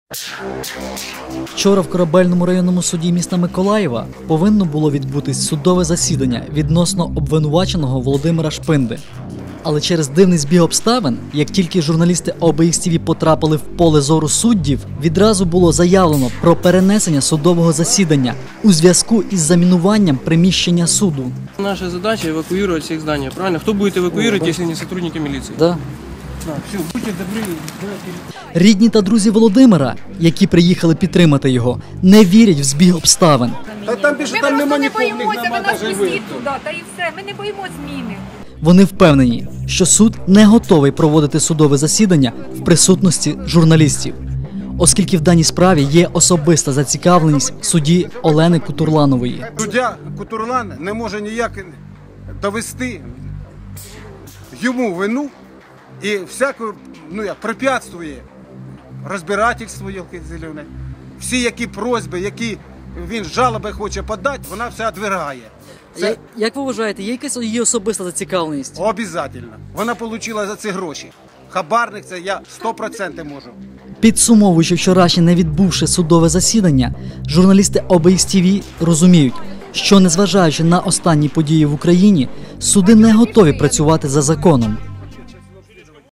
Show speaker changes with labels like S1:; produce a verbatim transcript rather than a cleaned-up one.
S1: Вчора в Корабельному районному суді міста Миколаєва повинно було відбутись судове засідання відносно обвинуваченого Володимира Шпинди. Але через дивний збіг обставин, як тільки журналісти О Б Х Т В потрапили в поле зору суддів, відразу було заявлено про перенесення судового засідання у зв'язку із замінуванням приміщення суду.
S2: Наша задача – эвакуировать всех зданий, правильно? Кто будет эвакуировать, если не сотрудники милиции?
S1: Да.
S2: Да, все, будьте добры.
S1: Рідні та друзі Володимира, які приїхали підтримати його, не вірять в збіг обставин.
S3: Та там більше
S4: Ми
S3: там
S4: просто
S3: нема
S4: не
S3: нікого, в них
S4: боїмося, ви
S3: нема
S4: нас
S3: навіть
S4: пустіть туди, та і все. Ми не боїмося зміни.
S1: Вони впевнені, що суд не готовий проводити судове засідання в присутності журналістів, оскільки в даній справі є особиста зацікавленість судді Олени Кутурланової.
S3: Суддя Кутурлан не може ніяк довести йому вину і всяку, ну як, препятствує розбирательству, зелене. Всі які просьби, які він жалоби хоче подати, вона все відвергає. Це
S1: Як ви вважаєте, є якась її особиста зацікавленість?
S3: обов'язково. Вона отримала за це гроші. Хабарник це я сто відсотків можу.
S1: Підсумовуючи вчорашнє не відбувши судове засідання, журналісти О Б Х Т В розуміють, що незважаючи на останні події в Україні, суди не готові працювати за законом.